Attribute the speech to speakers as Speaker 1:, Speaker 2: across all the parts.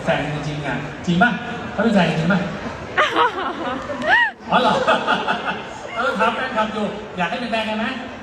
Speaker 1: ฟนจริงๆอ่ะจริงป่ะเขาเป็นแฟนจริงป่ะอ๋อเหรอครับแฟนคลับอยู่อยากให้เป็นแฟนกันไหม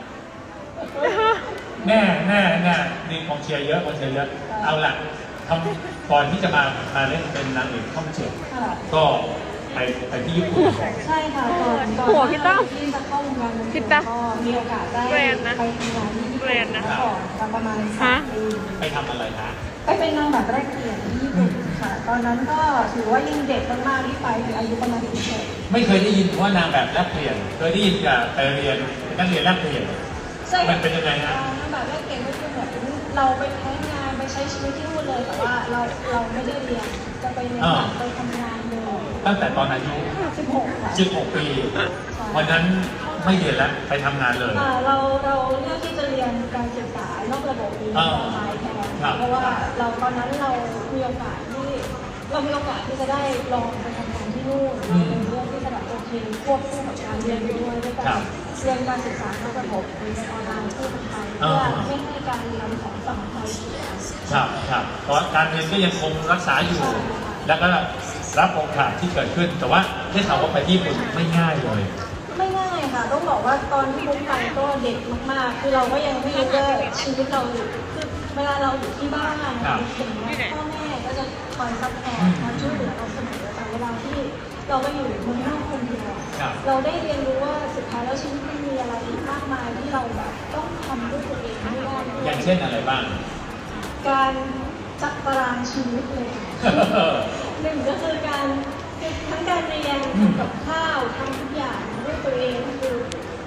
Speaker 1: แน่นี่กองเชียร์เยอะเอาล่ะทำก่อนที่จะมาเล่นเป็นนางเอกช่องเจ็ดก็ไปที่ญี่ปุ่น
Speaker 2: ใช่ค่ะก่อน
Speaker 3: หัวพี่ตั้ม
Speaker 2: ที่จะเข้าวงการ
Speaker 3: พี่ตั้ม
Speaker 2: ก็มีโอกาสได้ไปทำงานที่ญี่ปุ่นก่อนประมาณ3 ปี
Speaker 1: ไปทำอะไรคะ
Speaker 2: ไปเป็นนางแบบแรกเปลี่ยนที่ญี่ปุ่นค่ะตอนนั้นก็ถือว่ายังเด็กมากๆที่ไปอายุประมาณ17
Speaker 1: ไม่เคยได้ยินว่านางแบบแลกเปลี่ยนเคยได้ยินกับไปเรียนนักเรียนแลกเปลี่ยน
Speaker 2: ใช่
Speaker 1: มันเป็นยังไงฮะ
Speaker 2: นางแบบแรกเปลี่ยนก็คือแบบเราไปใช้งานไปใช้ชีวิตที่นู่นเลยแต่ว่าเราไม่ได้เรียนจะไปเรียนไปทำงานเลย
Speaker 1: ตั้งแต่ตอนอายุ
Speaker 2: 16ค่ะ
Speaker 1: 16 ปีวันนั้นไม่เรียนแล้วไปทำงานเลย
Speaker 2: เราเลือกที่จะเรียนการศึกษานอกระบบนี้ออนไลน์แทนเพราะว่าตอนนั้นเรามีโอกาสที่จะได้ลองไปทำงานที่นู่นเราเลือกที่จะแบบโอเคควบคู่กับการเรียนด้วยการเรียนการศึกษานอกระบบเรียนออนไลน์คู่กันไปเพื่อไม่ให้การเรียนของฝั่งไทยเสีย
Speaker 1: ครับเพราะการเรียนก็ยังคงรักษาอยู่แล้วก็รับโอกาสที่เกิดขึ้นแต่ว่าได้ข่าวว่าไปที่ญี่ปุ่นไม่ง่ายเลย
Speaker 2: ไม่ง่ายค่ะต้องบอกว่าตอนที่บุ๊กไปก็เด็กมากๆคือเราก็ยังไม่รู้ว่าชีวิตเราอยู่คือเวลาเราอยู่ที่บ้านถึงพ่อแม่ก็จะคอยซัพพอร์ตคอยช่วยเหลือเราเสมอแต่เวลาที่เราไปอยู่เมืองนอกคนเดียวเราได้เรียนรู้ว่าสุดท้ายแล้วชีวิตมันมีอะไรมากมายที่เราแบบต้องทำด้วยตัวเองไม่ได้
Speaker 1: อย่างเช่นอะไรบ้าง
Speaker 2: การจัดตารางชีวิตเลยหนึ่งก็คือทั้งการเรียนทำกับข้าวทำทุกอย่างด้วยตัวเองคือ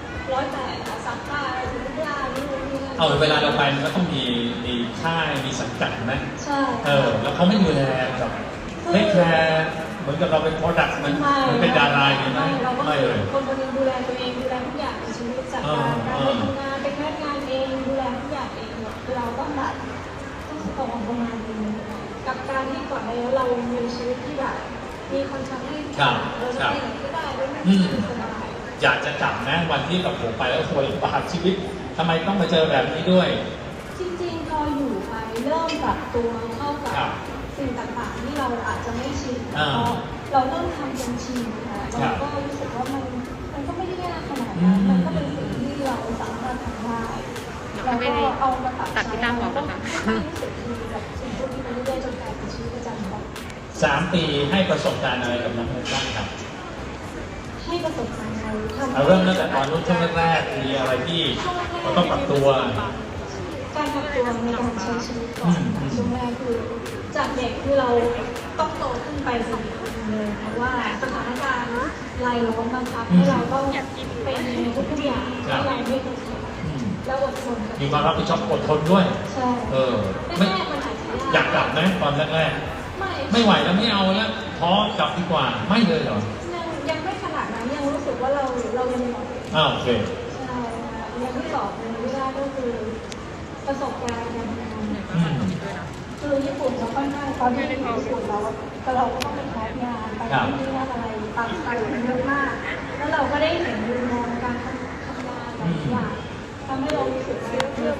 Speaker 2: 108ซักผ้าทุกอย่างนี่
Speaker 1: เวลาเราไปมันก็ต้องมีค่ายมีสังกัดไหม
Speaker 2: ใช่
Speaker 1: แล้วเขาไม่ดูแลแบบไม่แคร์เหมือนกับเราเป็นโปรดักต์มันเป็นดาราอย่างนี้ไหม
Speaker 2: ไม่เลยคนคนนึงดูแลตัวเองดูแลทุกอย่างในชีวิตจัดการไปทำงานไปแค่งานเองดูแลทุกอย่างเองคือเราต้องแบบต้องออกประมาณนึงกับการที่ก่อนในเรามีชีวิตที่แบบมีคนทำให้เราจะไปไหนก็ได้ด้วยไม่ต้องสบาย
Speaker 1: อยากจะจับนะวันที่กับผมไปแล้วโวยบาปชีวิตทำไมต้องมาเจอแบบนี้ด้วย
Speaker 2: จริงๆพออยู่ไปเริ่มปรับตัวเข้ากับสิ่งต่างๆที่เราอาจจะไม่ชินพอเราเริ่มทำจนชินค่ะเราก็รู้สึกว่ามันก็ไม่ได้ยากขนาดนั้นมันก็เป็นสิ่งที่เราสามารถทำได้เราก็เอามาปรับใช้เราต้องรู้สึกดีกับสิ่งพวกนี้ไปเรื่อยๆจนกลายเป็นชีวิตประจำวัน
Speaker 1: 3 ปีให้ประสบการณ์อะไรกับน้องมุกบ้างครับ
Speaker 2: ให้ประสบการณ์
Speaker 1: เราเริ่มตั้งแต่ตอนรุ่นช่วงแรกๆมีอะไรที่เราต้องปรับตัว
Speaker 2: การปรับตัวในการใช้ชีวิตก่อนช่วงแรกคือจากเด็กคือเราต้องโตขึ้นไปสู่อีกคนเลยเพราะว่าสถานการณ์รายล้อมบังคับให้เราต้องเป็นในทุกอย่างที่เราไม่เคยทำแล้วอดทน
Speaker 1: มีความรับผิดชอบอดทนด้วย
Speaker 2: ใช่
Speaker 1: ไม่อยากกลับไหมตอนแรกไม่ไหวแล้วไม่เอาแล้วท้อกลับดีกว่าไม่เลยเหรอ
Speaker 2: ยังไม่ขนาดนั้นยังรู้สึกว่าเรายังหลอก
Speaker 1: โอเค
Speaker 2: ใช่ยังไม่หลอกเลยไม่ได้ก็คือประสบการณ์การทำงานคือญี่ปุ่นเราค่อนข้างตอนที่อยู่ญี่ปุ่นเราก็ต้องไปทำงานไปที่นี่อะไรต่างๆเยอะมากแล้วเราก็ได้เห็นมุมมองการทำงานหลายอย่างทำให้เรารู้สึกว่า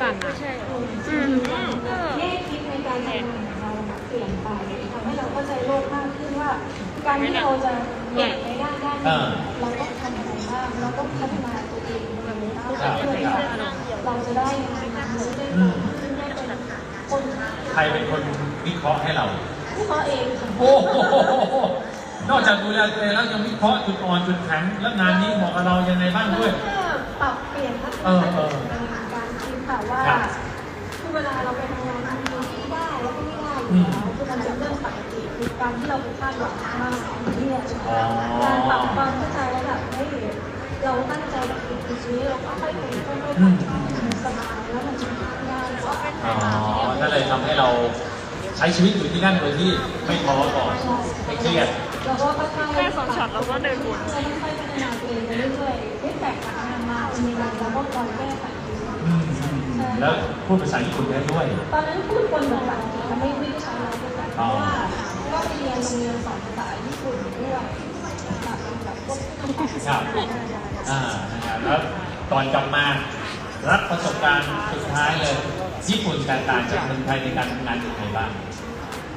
Speaker 2: แง่คิดในการทำงานของเราเปลี่ยนไปทำให้เราเข้าใจโลกมากขึ้นว่าการที่เราจะเก่งในด้านเราต้องทำอะไรบ้างเราต้องพัฒนาตัวเองเพื่อที่เราจะได้งานได้เป็นคน
Speaker 1: ใครเป็นคนวิเคราะห์ให้เรา
Speaker 2: วิเคราะห์เอง
Speaker 1: โอ้โหนอกจากดูแลตัวเองแล้วยังวิเคราะห์จุดอ่อนจุดแข็งและงานนี้เหมาะกับเรายังไงบ้างด้วย
Speaker 2: ปรับเปลี่ยนทัศนคติในการคิดค่ะว่าคือเวลาเราไปทำงานที่ได้แล้วก็ไม่ได้คือมันเป็นเรื่องปกติคือการที่เราไปคาดหวังมากที่เนี่ยการปรับความเข้าใจแล้วแบบให้เราตั้งใจกับสิ่งนี้เราก็ค่อยเป็นค่อยๆปรับสบายแล้วมันจะง่ายกว่า
Speaker 1: นั่นเลยทำให้เราใช้ชีวิตอยู่ที่นั่นโดยที่ไม่ท้อก่อนไม่เครียด
Speaker 2: แล้วก็ค่อยๆ
Speaker 3: แค่2 ช็อตเราก็เดินวน
Speaker 2: ค่อยๆพัฒนาตัวเองไปเรื่อยๆฟีดแบ็กจากงานมาเป็นยังไงเราก็คอยแก้ไข
Speaker 1: แล้วพูดภาษาญี่ปุ่นได้ด้วย
Speaker 2: ตอนนั้นพูดคนภาษาอังกฤษไม่ได้ใช้เราเพราะว่าก็ไปเรียนโรงเรียนสอนภาษาญี่ปุ่นด้วยแบบพวก
Speaker 1: ครับแล้วตอนกลับมารับประสบการณ์สุดท้ายเลยญี่ปุ่นแตกต่างจากเมืองไทยในการทำงานยังไงบ้าง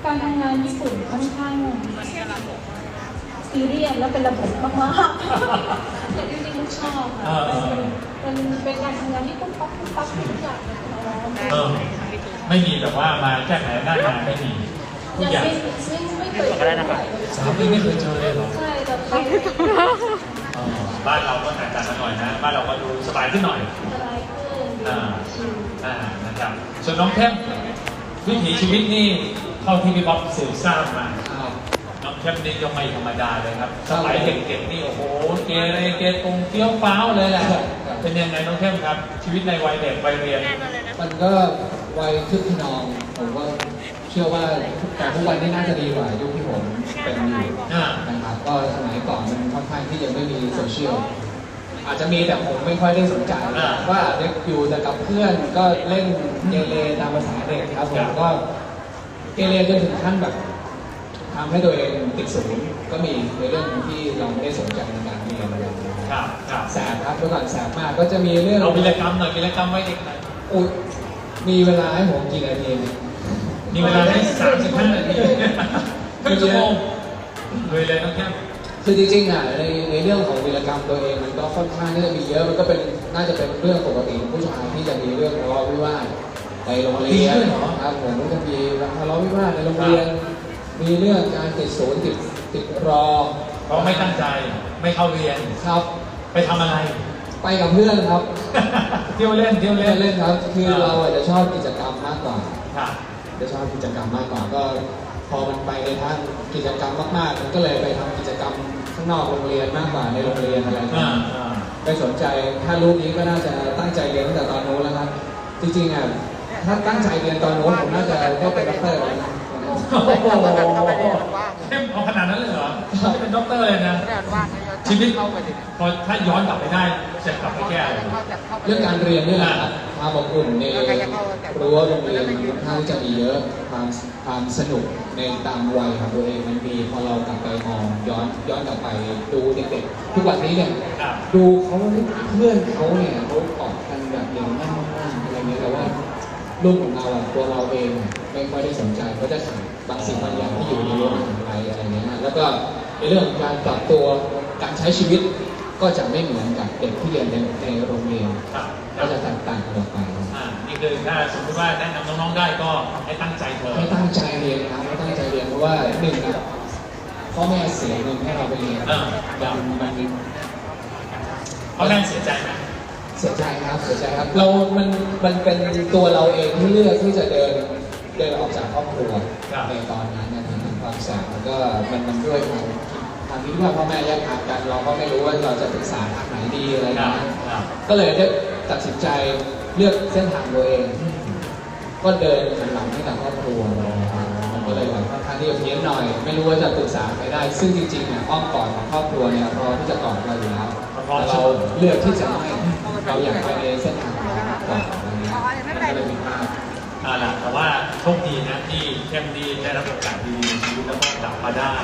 Speaker 2: การทำงานญี่ปุ่นค่อนข้างซีเรียสและเป็นระบบมากๆแต่จริงๆมุกชอบค่ะเป็นการทำงานที่ปุ๊บปั๊บปุ๊บปั๊บทุกอย่างเลย
Speaker 1: ไม่มีแบบว่ามาแก้ไขหน้างานไม่มีทุก
Speaker 2: ยัง
Speaker 1: อย่าง
Speaker 2: ไม่เคยเจอ
Speaker 1: 3 ปีไม่เคยเจอเลยเหรอ
Speaker 2: ใช่แต่ไป
Speaker 1: บ้านเราก็แตกต่างกันหน่อยนะบ้านเราก็ดูสบายขึ้นหน่อย
Speaker 2: สบายขึ้นชิล
Speaker 1: นะครับส่วนน้องเข้มวิถีชีวิตนี่เท่าที่พี่บ๊อบสืบทราบมาน้องเข้มนี่ก็ไม่ธรรมดาเลยครับสมัยเด็กๆนี่โอ้โหเกเรเกตุงเฟี้ยวฟ้าวเลยแหละเป็นยังไงน้องเข้มครับ ชีวิตในวัยเด็กวัยเรียน
Speaker 3: มันก็วัยคึกขนองผมก็เชื่อว่าแต่ทุกวันนี้น่าจะดีกว่ายุคที่ผมเป็นอยู่นะครับก็สมัยก่อนมันค่อนข้างที่ยังไม่มีโซเชียลอาจจะมีแต่ผมไม่ค่อยได้สนใจว่าเด็กอยู่แต่กับเพื่อนก็เล่นเกเรตามภาษาเด็กครับผมก็เกเรจนถึงขั้นแบบทำให้ตัวเองติดศูนย์ก็มีในเรื่องที่เราไม่ได้สนใจในการเรียนอะไรอย่างเงี้ย
Speaker 1: ครับครับ
Speaker 3: แสบครับเมื่อก่อนแสบมากก็จะมีเรื่อง
Speaker 1: เอาวีรกรรมหน่อยวีรกรรมไว้เด็กหน่อย
Speaker 3: อุ๊ยมีเวลาให้ผมกี่นาทีเนี่ย
Speaker 1: มีเวลาให้35 นาทีครึ่งชั่วโมงเลยน้องเข้ม
Speaker 3: คือจริงๆอ่ะในเรื่องของวีรกรรมตัวเองมันก็ค่อนข้างที่จะมีเยอะมันก็เป็นน่าจะเป็นเรื่องปกติของผู้ชายที่จะมีเรื่องทะเลาะวิวาทในโรงเรียนครับผมก็จะมีทะเลาะวิวาทในโรงเรียน มีเรื่องการติดศูนย์ติดรอ
Speaker 1: เพราะไม่ตั้งใจไม่เข้าเรียน
Speaker 3: ครับ
Speaker 1: ไปทำอะไร
Speaker 3: ไปกับเพื่อนครับ
Speaker 1: เที่ยวเล่น
Speaker 3: เล่นครับคือเราอาจจะชอบกิจกรรมมากกว่า
Speaker 1: ค่ะ
Speaker 3: จะชอบกิจกรรมมากกว่าก็พอมันไปในทางกิจกรรมมากๆมันก็เลยไปทำกิจกรรมข้างนอกโรงเรียนมากกว่าในโรงเรียนอะไรอย่างเงี้ยไม่สนใจถ้ารู้นี้ก็น่าจะตั้งใจเรียนตั้งแต่ตอนโน้นแล้วครับจริงๆอ่ะถ้าตั้งใจเรียนตอนโน้นผมน่าจะได้เป็นด็อกเตอร์แล้วนะ
Speaker 1: โอ้โหเข้มเอาขนาดนั้นเลยเหรอจะเป็นด็อกเตอร์เลยนะ ชีวิตพอถ้าย้อนกลับไปได้จะกลับไปแก้อะไร
Speaker 3: เรื่องการเรียนนี่แหละครับความอบอุ่นในรั้วโรงเรียนมันค่อนข้างที่จะมีเยอะความสนุกในตามวัยของตัวเองมันมีพอเรากลับไปมองย้อนกลับไปดูเด็กๆทุกวันนี้เนี่ยดูเขาเพื่อนเขาเนี่ยเขาออกกันแบบเร็วมากๆอะไรเงี้ยแต่ว่ารุ่นของเราอะตัวเราเองไม่ค่อยได้สนใจก็จะขาดบางสิ่งบางอย่างที่อยู่ในรั้วมหาวิทยาลัยอะไรเงี้ยแล้วก็ในเรื่องของการปรับตัวการใช้ชีวิตก็จะไม่เหมือนกับเด็กที่เรียนในโรงเรียนก็จะแตกต่างกันออกไป
Speaker 1: นี่คือถ้าสมมติว่าแนะนำน้องๆได้ก็ให้ตั้งใจเถอะ
Speaker 3: ให้ตั้งใจเรียนครับให้ตั้งใจเรียนเพราะว่าหนึ่งนะพ่อแม่เสียเงินให้เราไปเรียนมัน
Speaker 1: พ่อแม่เสียใจไหม
Speaker 3: เสียใจครับเสียใจครับมันเป็นตัวเราเองที่เลือกที่จะเดินออกจากครอบครัวในตอนนั้นนะครับความแสบมันก็มันด้วยทางที่ว่าพ่อแม่แยกทางกันเราก็ไม่รู้ว่าเราจะปรึกษาทางไหนดีอะไรนะก็เลยได้ตัดสินใจเลือกเส้นทางตัวเอง ก็เดินหันหลังให้กับครอบครัวมันก็เลยแบบค่อนข้างที่จะเพี้ยนหน่อย ไม่รู้ว่าจะปรึกษาใครได้ ซึ่งจริงๆเนี่ยอ้อมกอดของครอบครัวเนี่ยพอที่จะกอดเราอยู่แล้วแต่เราเลือกที่จะไม่เราอยากไปในเส้นทางของเราก่อนอะไรเงี้ยก็เลยมีภาพ
Speaker 1: ล่ะแต่ว่าโชคดีนะที่เข้มดีได้รับโอกาสดีในชีวิตแล้วก็กลับมาได้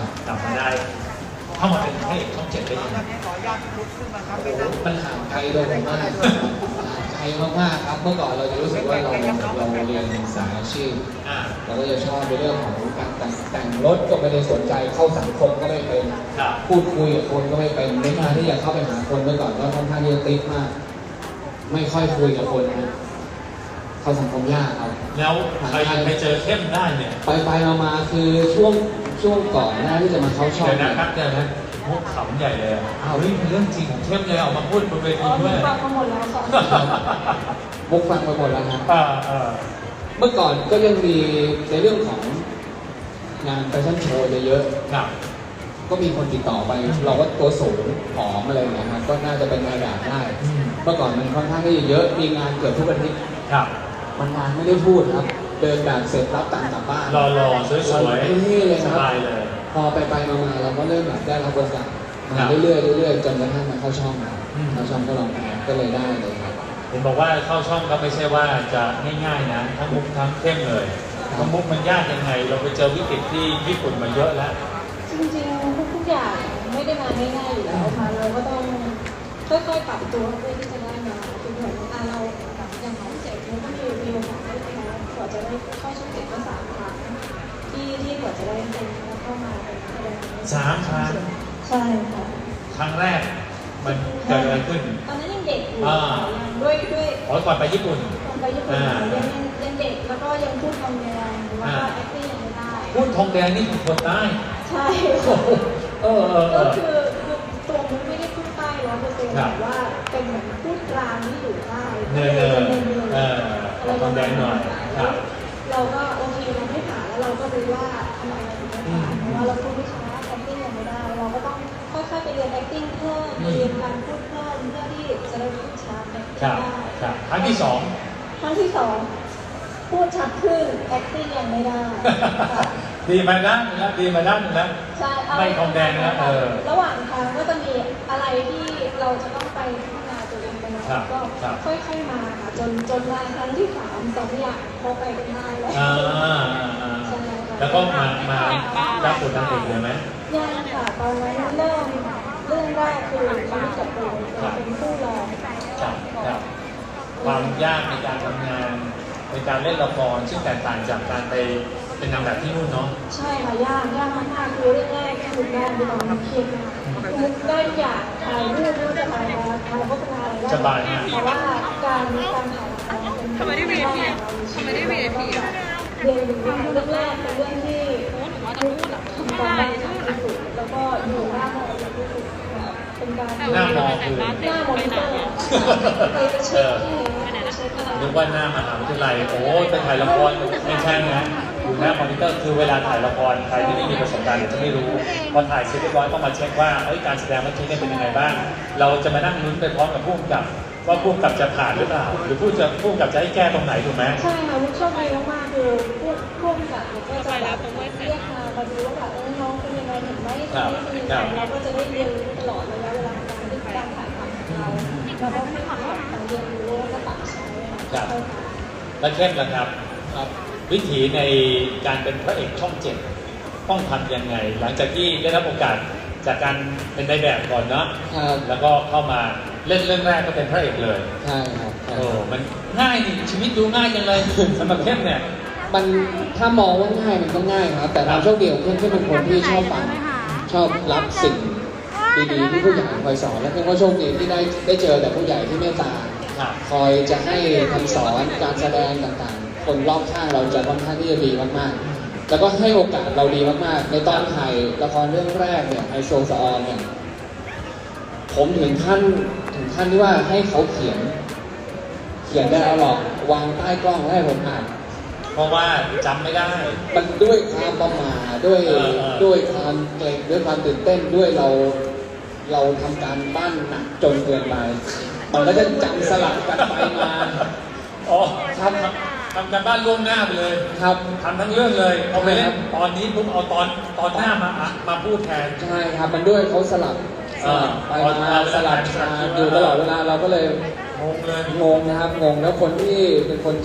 Speaker 1: เข้ามาเป็นพระเอกช่อง 7ได้ยังไง
Speaker 3: มันห่างไกลตัวผมมากห่างไกลมากๆครับเมื่อก่อนเราจะรู้สึกว่าเราเรียนสายอาชีพเราก็จะชอบในเรื่องของการแต่งรถก็ไม่ได้สนใจเข้าสังคมก็ไม่เป็นพูดคุยกับคนก็ไม่เป็นในการที่จะเข้าไปหาคนเมื่อก่อนก็ค่อนข้างที่จะติดมาก ไม่ค่อยคุยกับคนนะเข้าสังคมยากครับ
Speaker 1: แล้วใครไปเจอเข้มได้เนี่ย
Speaker 3: ไปมาคือช่วงก่อนหน้าที่จะมาเข้าช่อง
Speaker 1: เดี๋ยวนะครับเดี๋ยวนะมุกขำใหญ่เลยอ้าวนี่เป็นเรื่องจริงของเข้มเลยออกมาพูดบนเวทีด้วย
Speaker 2: ฟังมาหมดแล้วสอง
Speaker 3: มุกฟังไปหมดแล้วครับ
Speaker 1: ๆ
Speaker 3: เมื่อก่อนก็ยังมีในเรื่องของงานแฟชั่นโชว์เยอะ
Speaker 1: ครับ
Speaker 3: ก็มีคนติดต่อไป เราก็ตัวสูงผอมอะไรอย่างเงี้ยครับก็น่าจะเป็นงานแบบได้ เมื่อก่อนมันค่อนข้างที่จะเยอะมีงานเกือบทุกอาทิตย์
Speaker 1: ครับ
Speaker 3: มันงานไม่ได้พูดครับ เดินแบบเสร็จรับตังค์กลับบ้าน
Speaker 1: รอๆสวย
Speaker 3: เลย
Speaker 1: ๆ
Speaker 3: ค
Speaker 1: ส
Speaker 3: รับ
Speaker 1: บายเลย
Speaker 3: พอไปมาเราก็เริ่มแบบได้รับบริการมาเรื่อยๆจนกระทั่งมาเข้าช่องเข้าช่องก็ลองแพ้ก็เลยได้เลยครับ
Speaker 1: เห็นบอกว่าเข้าช่องก็ไม่ใช่ว่าจะง่ายๆนะทั้งมุกทั้งเข้มเลยทั้งมุกมันยากยังไง เราไปเจอวิกฤตที่ญี่ปุ่นมาเยอะแล้ว
Speaker 2: จริงๆทุกอย่างไม่ได้มาง่ายๆอยู่แล้วค่ะเราก็ต้องค่อยๆปรับตัวเพื่อที่จะได้มาคือเหมือนเราอย่างน้องเจ็บมันก็มีโอกาสได้ไปนะกว่าจะได้เข้าช่อง7ก็3 ครั้งที่จะได้เป็นแล้วเข้ามาเป็นแสดง
Speaker 1: 3 ครั้ง
Speaker 2: ใช่ค่ะ
Speaker 1: ครั้งแรกมันเกิดอะไรขึ้น
Speaker 2: ตอนนั้นยังเด็กอยู่
Speaker 1: อ่า
Speaker 2: ยังด้วย
Speaker 1: ขอก่อนไปญี่ปุ่น
Speaker 2: ตอนไปญี่ปุ่นยังเด็กแล้วก็ยังพูดคำแรงหรือว่า acting ยังไม่ได้
Speaker 1: พูดทองแดงนี่คือคนใต้
Speaker 2: ใช่
Speaker 1: โอ้โหเออ
Speaker 2: ก็คือตัวมุกไม่ได้พูดใต้100%แต่ว่าเป็นเหมือนพูดกลางที่อยู่ใต้
Speaker 1: เนินเอาทองแดงหน่อยครับ
Speaker 2: เราก็โอเคเราไม่ผ่านแล้วเราก็รู้ว่าทำไมเราถึงไม่ผ่านเพราะว่าเราพูดไม่ชัด acting ยังไม่ได้ เราก็ต้องค่อยๆไปเรียน acting เพิ่มไปเรียนการพูดเพิ่มเพื่อที่จะได้พูดชัด acting
Speaker 1: ครับ
Speaker 2: ได้
Speaker 1: ครับครั้งที่
Speaker 2: ครั้งที่สองพูดชัดขึ้น acting ยังไม่ได้ค่ะ
Speaker 1: 2 ดีมาด้านหนึงแล้วดีมาด้านหนึงแล้ว
Speaker 2: ใช่
Speaker 1: ไม่ทองแดงนะ
Speaker 2: ระหว่างทางก็จะมีอะไรที่เราจะต้องไปพัฒนาตัวเองไปแล้วก็ค่อยๆมาค่ะจนมาครั้งที่2อย่างพอไปกันได้แล้ว
Speaker 1: แล้วก็มารับบทนางเอกเลยไหม
Speaker 2: ยังค่ะตอนนั้นเรื่องแรกคือชีวิตกับตัวเป็นผู้รอง
Speaker 1: ครับความยากในการทำงานในการเล่นละครซึ่งแตกต่างจากการไปเป็นนางแบบที่นู่นเนาะ
Speaker 2: ใช่ค่ะยากมากๆคือเรื่องแรกคือแรกในตอนนั้นเครียดมากคือได้ทุกอย่างถ่ายรูปไม่ว่าจะถ่ายอะไรถ่ายโฆษณาอะไรได้
Speaker 1: สบายมาก
Speaker 2: แต่ว่าการถ่ายละครเป็น
Speaker 4: ทำไมได้ VIP อ่ะทำไมได้ VIP อ่ะ
Speaker 2: เรียนรู้เรื่องแรกเป็นเรื่องที่ทำการบ้านที่สุดแล้วก็อยู่หน้ามอที่สุดเป็นการ
Speaker 1: หน้ามอคือ
Speaker 2: หน้ามอนิเตอร์ไปเช็คที่เช็คอะไร
Speaker 1: นึกว่าหน้ามหาวิทยาลัยโอ้ไปถ่ายละครไม่ใช่นะอยู่หน้ามอนิเตอร์คือเวลาถ่ายละครใครที่ไม่มีประสบการณ์จะไม่รู้พอถ่ายเสร็จเรียบร้อยต้องมาเช็คว่าการแสดงเมื่อกี้เนี่ยเป็นยังไงบ้างเราจะมานั่งลุ้นไปพร้อมกับผู้กำกับว่าผู้กำกับจะผ่านหรือเปล่าหรือผู้กำกับจะให้แก้ตรงไหนถูกไหม
Speaker 2: ใช่ค่ะมุกโชคดีมากๆคือพวกกับก็จะแบบเรียกมาดูว่าแบบน้องเป็นยังไงเห็นไหมเป็นยังไงเราก็จะได้เรียนรู้ตลอดระยะเวลาการถ่ายทำของเราเราก็ให้ความเรียนรู้แล้วก็ปรับใช้
Speaker 1: ครับ และเข้มล่ะครับ วิถีในการเป็นพระเอกช่องเจ็ดต้องทำยังไง หลังจากที่ได้รับโอกาสจากการเป็นในแบบก่อนเนาะ
Speaker 3: ครับ
Speaker 1: แล้วก็เข้ามาเล่นเรื่องแรกก็เป็นพระเอกเลย
Speaker 3: ใช่ครับใช่
Speaker 1: โอ้มันง่ายนี่ชีวิตดูง่ายจังเลยสำหรับเข้มเนี่ย
Speaker 3: มันถ้ามองว่าง่ายมันก็ง่ายครับ แต่ความโชคดีของเพื่อนเป็นคนที่ชอบฟังชอบรับสิ่งดีๆที่ผู้ใหญ่คอยสอนและเพื่อนก็โชคดีที่ได้เจอแต่ผู้ใหญ่ที่เมตตา
Speaker 1: ครับ
Speaker 3: คอยจะให้คำสอนการแสดงต่างๆ คนรอบข้างเราจะค่อนข้างที่จะดีมากๆ แล้วก็ให้โอกาสเราดีมากๆ ในตอนถ่ายละครเรื่องแรกเนี่ยไอโซสออนเนี่ยผมถึงขั้นที่ว่าให้เขาเขียนได้เอาหรอกวางใต้กล้องให้ผมอ่าน
Speaker 1: เพราะว่าจำไม่ได้
Speaker 3: มันด้วยความประมาทด้วยความเกรงด้วยความตื่นเต้นด้วยเราทำการบ้านหนักจนเกินไปมันก็จะจำสลับกันไปมา
Speaker 1: อ๋อทำการบ้านล่วงหน้าไปเลย
Speaker 3: ครับ
Speaker 1: ทำทั้งเรื่องเลยพอไปเล่นตอนนี้ปุ๊บเอาตอนหน้ามาพูดแทน
Speaker 3: ใช่ครับมันด้วยเขาสลับไปมาสลับมาอยู่ตลอดเวลาเราก็เลย
Speaker 1: งงเลย
Speaker 3: งงนะครับงงแล้วคนที่เป็นคน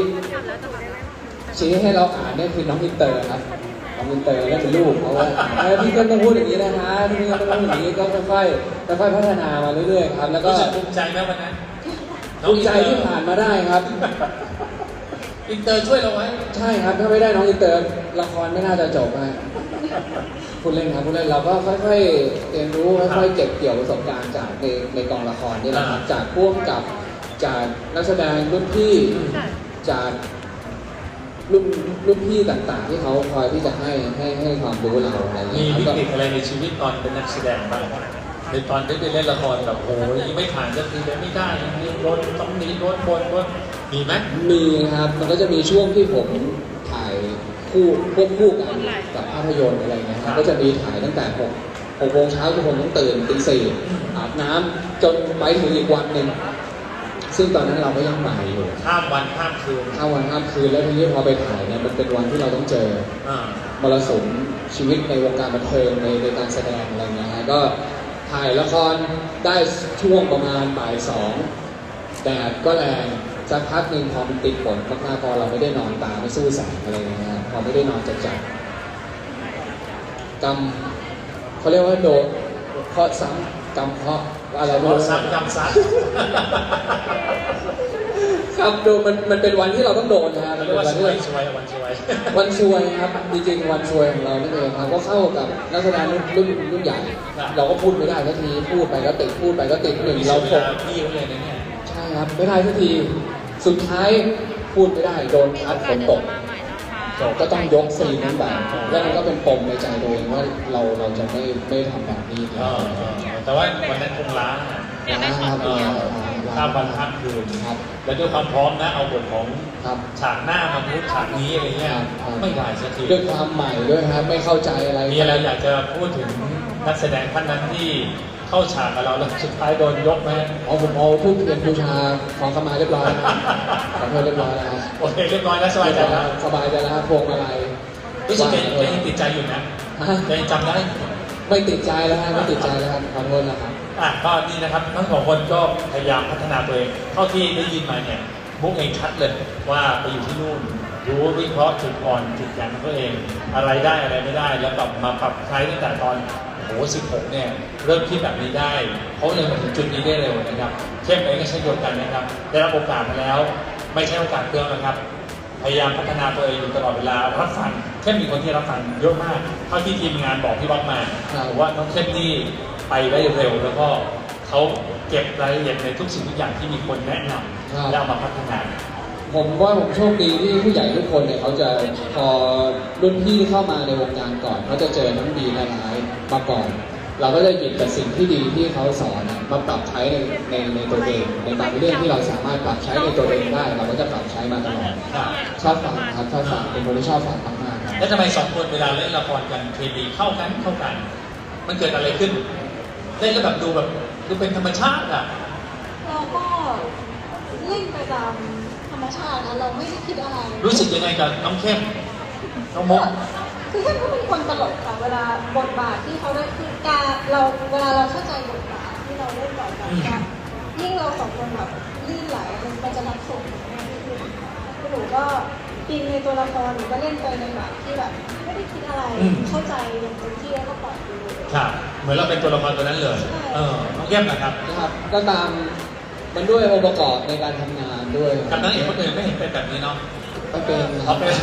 Speaker 3: ชี้ให้เราอ่านเนี่ยคือน้องอินเตอร์ครับน้องอินเตอร์ก็เป็นลูกเขาว่าพี่ก็ต้องพูดอย่างนี้นะคะพี่ก็ต้องพูดอย่างนี้ก็ค่อยๆพัฒนามาเรื่อยๆครับแล้วก็
Speaker 1: รู้สึกภูมิใจไหมวันนั้น
Speaker 3: ภูมิใจที่ผ่านมาได้ครับ
Speaker 1: อินเตอร์ช่วยเราไว้
Speaker 3: ใช่ครับถ้าไม่ได้น้องอินเตอร์ละครไม่น่าจะจบนะพูดเล่นครับพูดเล่นเราก็ค่อยๆเรียนรู้ค่อยๆเก็บเกี่ยวประสบการณ์จากในกองละครนี่แหละครับจากพ่วงกับจากนักแสดงรุ่นพี่จากรุ่นพี่ต่างๆ ที่เขาคอยที่จะให้ความรู้เราอะไรอย่าง
Speaker 1: มี
Speaker 3: เงี้ย
Speaker 1: วิ
Speaker 3: ครับ
Speaker 1: กฤตอะไรในชีวิตตอนเป็นนักแสดงบ้างในตอนที่ไปเล่นละครแบบโอ้ยไม่ผ่านสักทีเลยไม่ได้ยังโดนต้องหนีโดนบนมีไหม
Speaker 3: มีครับมันก็จะมีช่วงที่ผมถ่ายควบคู่กันกับภาพยนตร์อะไรเงี้ยครับก็จะมีถ่ายตั้งแต่6 โมงเช้าทุกคนต้องตื่นตี 4อาบน้ำจนไปถึงอีกวันหนึ่งซึ่งตอนนั้นเราก็ยังใหม่อยู่
Speaker 1: ข้ามวันข้ามคืน
Speaker 3: ข้ามวันข้ามคืนแล้วทีนี้พอไปถ่ายเนี่ยมันเป็นวันที่เราต้องเจอ มรสุมชีวิตในวงการบันเทิงในการแสดงอะไรเงี้ยฮะก็ถ่ายละครได้ช่วงประมาณบ่าย 2แดดก็แรงสักพักหนึ่งพอมันติดฝนมากๆพอเราไม่ได้นอนตาไม่สู้แสงอะไรเงี้ยฮะพอไม่ได้นอนจัดกรรมเขาเรียกว่าโดนเคราะห์ซ้ำกรรมเคราะห์อะไร
Speaker 1: รถซ้ำกำซัด
Speaker 3: ซครับดูมันเป็นวันที่เราต้องโดนนะครับ
Speaker 1: เรี
Speaker 3: มั
Speaker 1: ย
Speaker 3: น
Speaker 1: ก
Speaker 3: เป็น
Speaker 1: ว่า
Speaker 3: วัน
Speaker 1: ส
Speaker 3: ที่
Speaker 1: วยวันสวย
Speaker 3: วันซวยครับจริงๆวันซวยของเรานั่นเองครับก็เข้ากับนักแสดงรุ่นใหญ่ เราก็พูดไม่ได้สักทีพูดไปก็ติดพูดไปก็ติดหนึ่ง
Speaker 1: เรา
Speaker 3: เรา
Speaker 1: ผ
Speaker 3: ผม ม
Speaker 1: พี่เขาเลยนะเนี่ย
Speaker 3: ใช่ครับไม่ได้สักทีสุดท้ายพูดไม่ได้โดนพัดฝนตก
Speaker 4: มาใหม่นะคะ
Speaker 3: ก็ต้องยกซีนนั้นไปแล้วมันก็เป็นปมในใจตัวเองว่าเราจะไม่ทำแบบนี้
Speaker 1: แต่ว่าวันนั้นคงล้า
Speaker 3: นะครับ
Speaker 1: ข้ามวันข้ามคืน
Speaker 3: ครับ
Speaker 1: แล้วด้วยความพร้อมนะเอาบทของ
Speaker 3: ครับ
Speaker 1: ฉากหน้ามาพูดฉากนี้อะไรเงี้ยไม่ได้สักที
Speaker 3: ด้วยความใหม่ด้วยครับไม่เข้าใจอะไร
Speaker 1: มีอะไรอยากจะพูดถึงนักแสดงท่านนั้นที่เข้าฉากกับเราแล้วสุดท้ายโดนยกไหม
Speaker 3: ผมเอาทูบเทียนบูชาขอขมาเรียบร้อยนะครับขอโทษเรียบร้อยแล้วครับ
Speaker 1: โอเคเรียบร้อยแล้วสบายใจแล้ว
Speaker 3: สบายใจแล้วครับพวงมาลัย
Speaker 1: รู้สึกยังติดใจอยู่นะยังจำได้
Speaker 3: ไม่ติดใจแล้วครับไม่ติดใจแล้วครับขอโทษนะครับ
Speaker 1: ก็นี่นะครับทั้งสองคนก็พยายามพัฒนาตัวเองเท่าที่ได้ยินมาเนี่ยมุกเองชัดเลยว่าไปอยู่ที่นู่นรู้วิเคราะห์จุดอ่อนจุดแข็งของตัวเองอะไรได้อะไรไม่ได้แล้วปรับมาปรับใช้ตั้งแต่ตอน16เนี่ยเริ่มคิดแบบนี้ได้เขาเลยมาถึงจุดนี้ได้เร็วนะครับเข้มเองก็เช่นเดียวกันนะครับได้รับโอกาสมาแล้วไม่ใช่โอกาสเพื่อนนะครับพยายามพัฒนาตัวเองอยู่ตลอดเวลารับฟังเข้มมีคนที่รับฟังเยอะมากเท่าที่ทีมงานบอกพี่บ๊อบมาว่าน้องเข้มนี่ไปได้เร็วแล้วก็เขาเก็บรายละเอียดในทุกสิ่งทุกอย่างที่มีคนแนะนำแล้วเอามาพัฒนา
Speaker 3: ผมว่าผมโชคดีที่ผู้ใหญ่ทุกคนเนี่ยเขาจะพอรุ่นพี่เข้ามาในวงการก่อนเขาจะเจอทั้งดีและร้ายมาก่อน เราก็จะหยิบแต่สิ่งที่ดีที่เขาสอนมาปรับใช้ในตัวเองในบางเรื่องที่เราสามารถปรับใช้ในตัวเองได้ เราก็จะปรับใช้มาตลอดชอบฟังครับชอบฟังเป็นคนที่ชอบฟังมากๆครับ
Speaker 1: แล้วทำไมสองคนเวลาเล่นละครกันเคมีเข้ากันมันเกิดอะไรขึ้นเล่นแล้วแบบดูเป็นธรรมชาติอ่ะ
Speaker 2: เราก็เล่นไปตามธรรมชาตินะเราไม่ได้คิดอะไร
Speaker 1: รู้สึกยังไงกับน้องเข้มน้องมุก
Speaker 2: คือเข้มเขาเป็นคนตลกค่ะเวลาบทบาทที่เขาได้คือการเราเวลาเราเข้าใจบทบาทที่เราเล่นต่อกันยิ่งเราสองคนแบบลื่นไหลมันจะรับส่งมากที่สุดหนูก็อินในตัวละครหนูก็เล่นไปในแบบที่แบบไม่ได้คิดอะไรเข้าใจอย่างเต็มที่แล้วก็ปล่อยไปเลย
Speaker 1: ครับเหมือนเราเป็นตัวละครตัวนั้นเลยน้องเข้มนะครับ
Speaker 3: นะครับก็ตามมันด้วยองค์ประกอบในการทำงานด้วย
Speaker 1: กับนางเอกคนอื่นไม่เห็นเป็นแบบนี้เนาะ
Speaker 3: ไม่เป็นค
Speaker 1: เขา
Speaker 3: รับ
Speaker 1: เป็น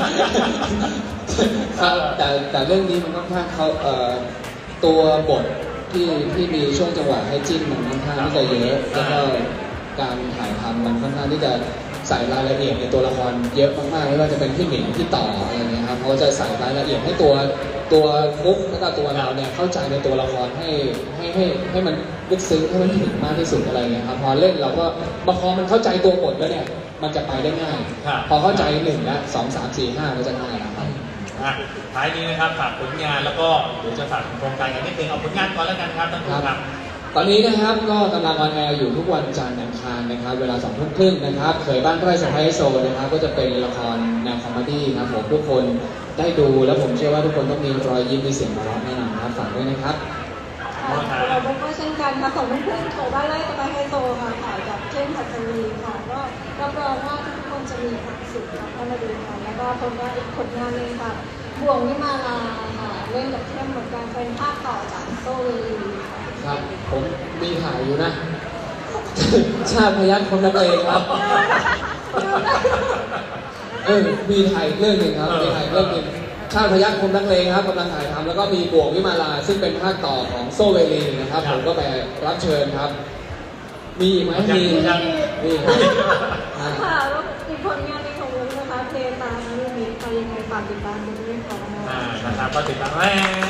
Speaker 3: ครับแต่เรื่องนี้มันค่อนข้างเขาตัวบทที่มีช่วงจังหวะให้จิ้นมันค่อนข้างที่จะเยอะแล้วก็การถ่ายทำมันค่อนข้างที่จะใส่รายละเอียดในตัวละครเยอะมากๆไม่ว่าจะเป็นพี่หมิงพี่ต่ออะไรเงี้ยครับเขาจะใส่รายละเอียดให้ตัวฟุกแล้วก็ตัวเราเนี่ยเข้าใจในตัวละครให้มันลึกซึ้งให้มันถึงมากที่สุดอะไรเงี้ยครับพอเล่นเราก็พอมันเข้าใจตัวบทแล้วเนี่ยมันจะไปได้ง่าย พอเข้าใจ1และ2 3 4 5ก็จะง่ายแล้วครับ
Speaker 1: ท้ายนี้นะครับฝากผลงานแล้วก็เดี๋ยวจะฝากโครงการกันนิดนึงเอาผลงานก่อนแล้วกันครับท่านผู้ชมครับ
Speaker 3: ตอนนี้นะครับก็กำลังออนแอร์อยู่ทุกวันจันทร์อังคารนะครับเวลา2 ทุ่มครึ่งนะครับเคยบ้านไร่สะพ้ายโซนะครับก็จะเป็นละครแนวคอมเมดี้ครับผมทุกคนได้ดูแล้วผมเชื่อว่าทุกคนต้องมีรอยยิ้มมีเสียงหัวเราะแน่นอนครับฝากด้วยนะครับ
Speaker 2: เราก็เช่นกันค่ะสองเพื่อนๆโถบ้านไร่สบายไฮโซค่ะถ่ายกับเข้มหัสวีค่ะก็รับรองว่าทุกคนจะมีความสุขค่ะก็มาดูกันแล้วก็ผลงานอีกผลงานหนึงค่ะบ่วงวิมาลาค่ะเล่นกับเข้มเหมือนกันเป็นภาคต่อจากโซเวลีค่ะ
Speaker 3: ครับผมมีถ่ายอยู่นะ ชาติพยัคฆ์คนนักเลงครับมีถ่ายเรื่องหนึ่งครับมีถ่ายเรื่องหนึ่งชาติพยัคฆ์คนนักเลงครับกำลังถ่ายทำแล้วก็มีบ่วงวิมาลาซึ่งเป็นภาคต่อของโซเวลีนะครับผมก็ไปรับเชิญครับ มีไหมมีครับมีครับ
Speaker 2: ค่ะแล้วอีกผลงานหนึงของวุ้นนะคะเพลงตามนะเรื่องนี้ใครยังไงฝากติดตามกันด้วยค่ะ
Speaker 1: นะครับก็ติดตาม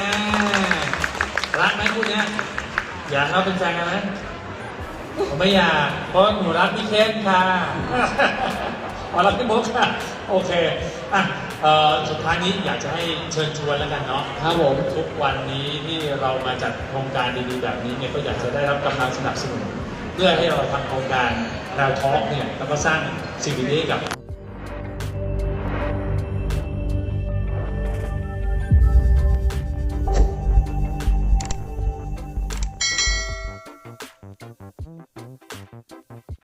Speaker 1: รักไหมคู่เนี้ยอยากเราเป็นแฟนกันไหมผมไม่อยากเพราะหนูรักพี่เข้มค่ะอ๋อรักพี่บุ๊กค่ะโอเคสุดท้ายนี้อยากจะให้เชิญชวนแล้วกันเนาะ
Speaker 3: ครับผม
Speaker 1: ทุกวันนี้ที่เรามาจัดโครงการดีๆแบบนี้เนี่ยก็อยากจะได้รับกำลังสนับสนุนเพื่อให้เราทำโครงการเราทอล์กเนี่ยแล้วก็สร้างสิ่งดีๆให้กับ